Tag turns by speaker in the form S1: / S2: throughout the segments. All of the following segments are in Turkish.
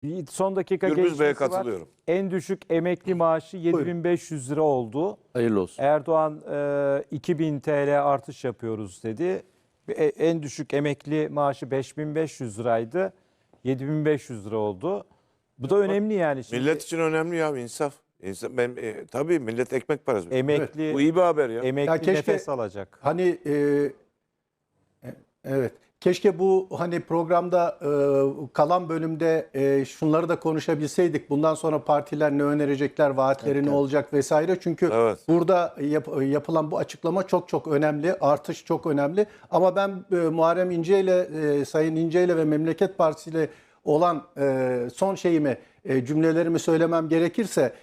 S1: Son dakika
S2: Gürbüz Bey'e
S1: gelişmesi var.
S2: katılıyorum.
S1: En düşük emekli maaşı 7.500 lira oldu.
S3: Hayırlı olsun.
S1: Erdoğan 2.000 TL artış yapıyoruz dedi. En düşük emekli maaşı 5.500 liraydı. 7.500 lira oldu. Bu da önemli yani. Şimdi
S2: Millet için önemli ya, insaf. Tabii millet ekmek parası.
S1: emekli
S2: Bu iyi bir haber ya.
S1: emekli
S4: Ya keşke-
S1: nefes alacak.
S4: Hani evet. Keşke bu hani programda kalan bölümde şunları da konuşabilseydik. Bundan sonra partiler ne önerecekler, vaatleri ne olacak vesaire. Çünkü
S2: Evet.
S4: burada yapılan bu açıklama çok çok önemli. Artış çok önemli. Ama ben Muharrem İnce ile Sayın İnce ile ve Memleket Partisi ile olan son cümlelerimi söylemem gerekirse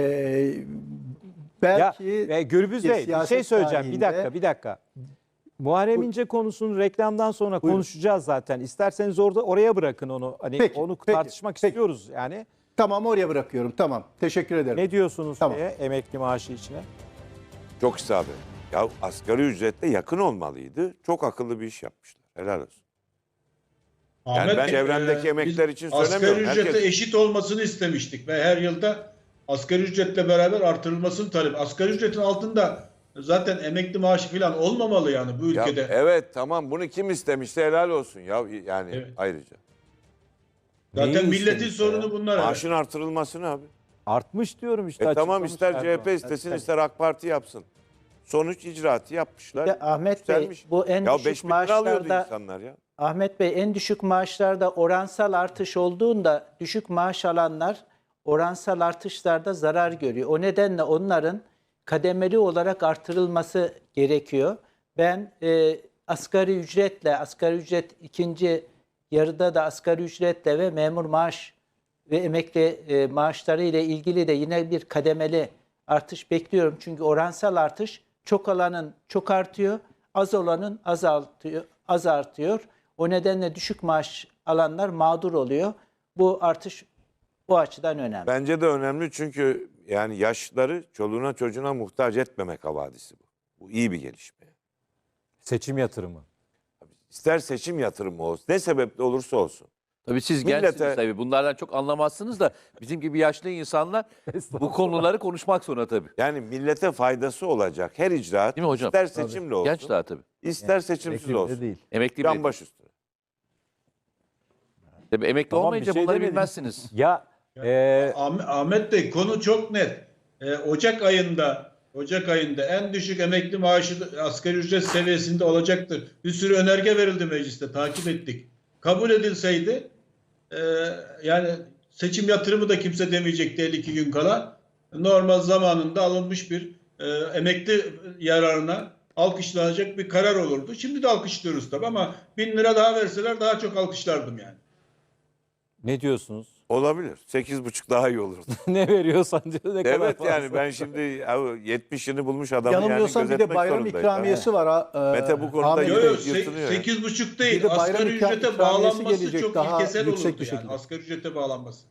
S4: belki
S1: Gürbüz Bey bir şey
S4: siyaset
S1: söyleyeceğim.
S4: tarihinde-
S1: Bir dakika. Muharrem İnce konusunu reklamdan sonra konuşacağız zaten. İsterseniz oraya bırakın onu. Hani
S4: Peki,
S1: onu
S4: peki,
S1: tartışmak
S4: peki.
S1: istiyoruz yani.
S4: Tamam, oraya bırakıyorum. Tamam. Teşekkür ederim.
S1: Ne diyorsunuz
S4: Tamam.
S1: emekli maaşı içine?
S2: Çok isabet. Ya asgari ücretle yakın olmalıydı. Çok akıllı bir iş yapmışlar. Helal olsun. Yani ben çevremdeki emekliler için söylemiyorum.
S5: Asgari ücrete
S2: Herkes-
S5: eşit olmasını istemiştik ve her yılda asgari ücretle beraber artırılmasını talep. Asgari ücretin altında zaten emekli maaşı falan olmamalı yani bu
S2: Ya,
S5: ülkede.
S2: evet tamam, bunu kim istemişse helal olsun ya, yani
S5: Evet.
S2: ayrıca.
S5: Zaten
S1: Neyi
S5: milletin
S1: istemiş
S5: sorunu
S1: ya?
S5: bunlar. evet.
S2: Maaşın artırılmasını abi.
S1: Artmış diyorum işte.
S2: Tamam, ister
S1: açıklamışlar
S2: CHP
S1: falan.
S2: istesin, ister AK Parti yapsın. Sonuç icraatı yapmışlar.
S6: Bir de Ahmet Bey,
S2: Yükselmiş.
S6: bu en
S2: ya
S6: düşük
S2: 5.000 lira alıyordu
S6: maaşlarda-
S2: insanlar ya.
S6: Ahmet Bey, en düşük maaşlarda oransal artış olduğunda düşük maaş alanlar oransal artışlarda zarar görüyor. O nedenle onların kademeli olarak artırılması gerekiyor. Ben asgari ücret ikinci yarıda da asgari ücretle ve memur maaş ve emekli maaşları ile ilgili de yine bir kademeli artış bekliyorum. Çünkü oransal artış çok alanın çok artıyor, az olanın az artıyor. O nedenle düşük maaş alanlar mağdur oluyor. Bu artış bu açıdan önemli.
S2: Bence de önemli, çünkü yani yaşlıları çoluğuna çocuğuna muhtaç etmemek havadisi bu. Bu iyi bir gelişme.
S1: Seçim yatırımı.
S2: İster seçim yatırımı olsun, ne sebeple olursa olsun.
S3: Tabii siz
S2: Millete-
S3: gençsiniz tabii. Bunlardan çok anlamazsınız da bizim gibi yaşlı insanlar bu konuları konuşmak zorunda tabii.
S2: Yani millete faydası olacak her icraat,
S3: Değil mi hocam?
S2: ister seçimle olsun,
S3: Genç daha tabii.
S2: ister seçimsiz olsun.
S1: değil.
S3: Emekli bile.
S2: Can baş üstüne.
S3: Tabii emekli
S1: Tamam,
S3: olmayınca
S1: bir şey
S3: bunları
S1: demedim.
S3: bilmezsiniz.
S1: Ya
S5: Ahmet Bey, konu çok net. Ocak ayında en düşük emekli maaşı asgari ücret seviyesinde olacaktır. Bir sürü önerge verildi mecliste, takip ettik. Kabul edilseydi yani seçim yatırımı da kimse demeyecekti 52 gün kala. Normal zamanında alınmış bir emekli yararına alkışlanacak bir karar olurdu. Şimdi de alkışlıyoruz tabii ama 1.000 lira daha verseler daha çok alkışlardım yani.
S1: ne diyorsunuz?
S2: Olabilir. 8,5 daha iyi olurdu.
S1: Ne veriyorsan diyor, ne kadar
S2: Evet,
S1: fazla.
S2: yani ben şimdi 70'ini bulmuş adamı
S4: Yanılmıyorsam
S2: yani
S4: bir de
S2: gözetmek
S4: bayram
S2: zorundayım.
S4: ikramiyesi var.
S2: Mete bu konuda
S4: Ahmet
S2: yine
S4: Bey.
S2: yırtınıyor ya.
S5: 8,5
S4: Bir
S5: değil.
S4: de bayram
S5: Asgari ücrete
S4: ikramiyesi
S5: bağlanması
S4: gelecek,
S5: çok
S4: daha
S5: ilkesel
S4: yüksek
S5: olurdu
S4: bir
S5: yani.
S4: şekilde.
S5: Asgari ücrete bağlanması.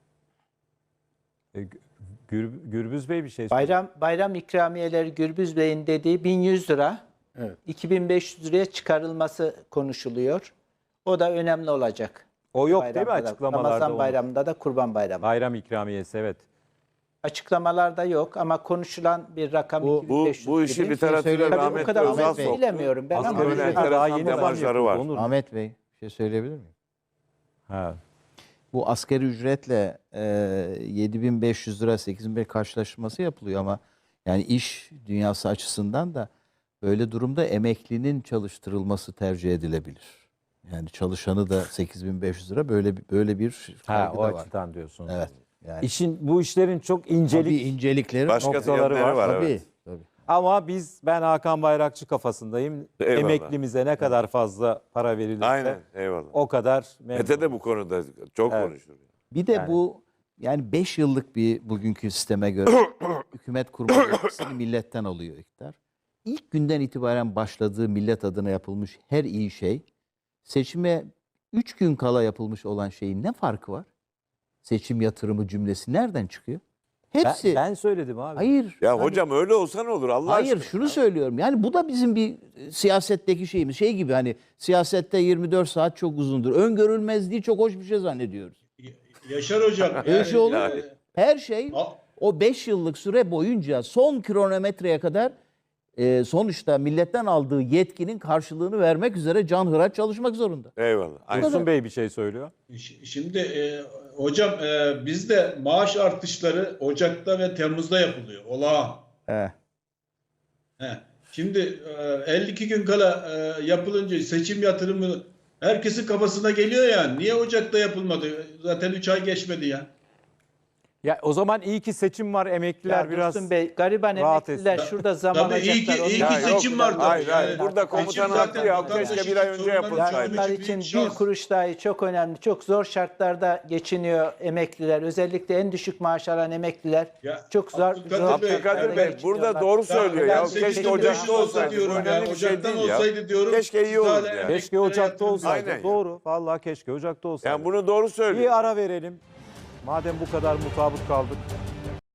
S1: Gürbüz Bey bir şey söylüyor.
S6: Bayram ikramiyeleri Gürbüz Bey'in dediği 1100 lira,
S4: Evet.
S6: 2500 liraya çıkarılması konuşuluyor. O da önemli olacak.
S1: O yok değil mi
S6: Bayramda da,
S1: açıklamalarda?
S6: Ramazan
S1: onun?
S6: bayramında da Kurban bayramı.
S1: Bayram ikramiyesi, evet.
S6: Açıklamalarda yok ama konuşulan bir rakam
S4: Bu-
S6: 2500
S2: Bu işi
S6: gibi.
S2: literatüre
S6: Tabii o
S2: rahmetli
S6: kadar
S2: Özal
S6: Ahmet Bey
S2: soktu.
S6: bilemiyorum ben ama
S2: Asgari
S1: Asgari
S2: ücret
S1: ücret daha
S2: enteresan
S1: yeni zam
S2: demarjları var.
S1: yapıldı, Onur.
S7: Ahmet Bey, bir şey söyleyebilir miyim?
S1: Ha.
S7: Bu asgari ücretle 7.500 lira 8.500 karşılaştırması yapılıyor ama yani iş dünyası açısından da böyle durumda emeklinin çalıştırılması tercih edilebilir. Yani çalışanı da 8.500 lira böyle bir
S1: Ha,
S7: kaygı
S1: o
S7: da var.
S1: açıdan diyorsun.
S7: Evet. Yani
S1: Bu işlerin çok
S7: tabii
S1: incelik
S7: incelikleri
S2: Başka
S1: noktaları
S2: yönleri
S1: var.
S2: var.
S7: tabii.
S2: Evet.
S7: Tabii.
S1: Ama ben Hakan Bayrakçı kafasındayım.
S2: Eyvallah.
S1: Emeklimize ne kadar fazla para verilirse
S2: Aynen, eyvallah.
S1: o kadar memnun.
S2: Mete de bu konuda çok
S1: Evet.
S2: konuşur.
S7: Bir de
S1: Yani-
S7: bu yani 5 yıllık bir bugünkü sisteme göre hükümet kurma yetkisini milletten alıyor iktidar. İlk günden itibaren başladığı millet adına yapılmış her iyi şey seçime 3 gün kala yapılmış olan şeyin ne farkı var? Seçim yatırımı cümlesi nereden çıkıyor? Hepsi.
S1: Ben söyledim abi.
S7: Hayır.
S2: Ya
S7: yani-
S2: hocam öyle olsa ne olur Allah
S7: Hayır
S2: aşkına?
S7: şunu söylüyorum. Yani bu da bizim bir siyasetteki şeyimiz. Şey gibi hani siyasette 24 saat çok uzundur. Öngörülmezliği çok hoş bir şey zannediyoruz.
S5: Yaşar hocam.
S7: Öyle şey olur mu?
S2: yani.
S7: Her şey
S5: A-
S7: o 5 yıllık süre boyunca son kronometreye kadar sonuçta milletten aldığı yetkinin karşılığını vermek üzere canhıraç çalışmak zorunda.
S2: Eyvallah. Aynen.
S1: Dursun Bey bir şey söylüyor.
S5: Şimdi hocam bizde maaş artışları Ocak'ta ve Temmuz'da yapılıyor. Olağan. He. Şimdi 52 gün kala yapılınca seçim yatırımı herkesin kafasına geliyor yani. Niye Ocak'ta yapılmadı? Zaten 3 ay geçmedi ya.
S1: Ya o zaman iyi ki seçim var, emekliler
S6: Ya
S1: biraz
S6: Dursun Bey, gariban
S1: rahat
S6: emekliler
S1: etsin.
S6: şurada zaman
S5: Tabii iyi ki,
S6: alacaklar.
S5: iyi
S6: Onlar-
S5: ki
S2: Ya
S5: seçim
S2: yok,
S5: var tabii.
S2: hayır, hayır.
S5: Yani
S2: Burada
S5: seçim
S2: komutanın
S5: zaten
S2: hakkı ya.
S5: vatandaşın
S2: Keşke bir ay önce
S5: sorunlarını
S2: yapılsaydı.
S6: Onlar
S5: çözmek
S6: için bir
S5: şans.
S6: kuruş dahi çok önemli. Çok zor şartlarda geçiniyor emekliler. Özellikle en düşük maaş alan emekliler.
S5: Ya,
S6: Çok zor.
S5: Abdülkadir
S6: zor
S5: Bey,
S6: şartlarda
S2: Abdülkadir Bey
S6: geçiniyorlar.
S2: burada doğru söylüyor
S5: Ben
S2: ya.
S5: 8.500
S2: Keşke Ocak'ta olsaydı. Bu
S5: diyorum
S2: önemli
S5: ya.
S2: bir şey
S5: Ocak'tan
S2: değil ya.
S5: olsaydı diyorum.
S2: Keşke iyi
S5: siz
S2: olurdu
S5: hala
S2: yani.
S5: emeklilere
S1: Keşke Ocak'ta
S5: yatırım
S1: olsaydı.
S2: Aynen ya.
S1: Doğru. Vallahi keşke Ocak'ta olsaydı.
S2: Yani bunu doğru söylüyor.
S1: Bir ara verelim. Madem bu kadar mutabık kaldık.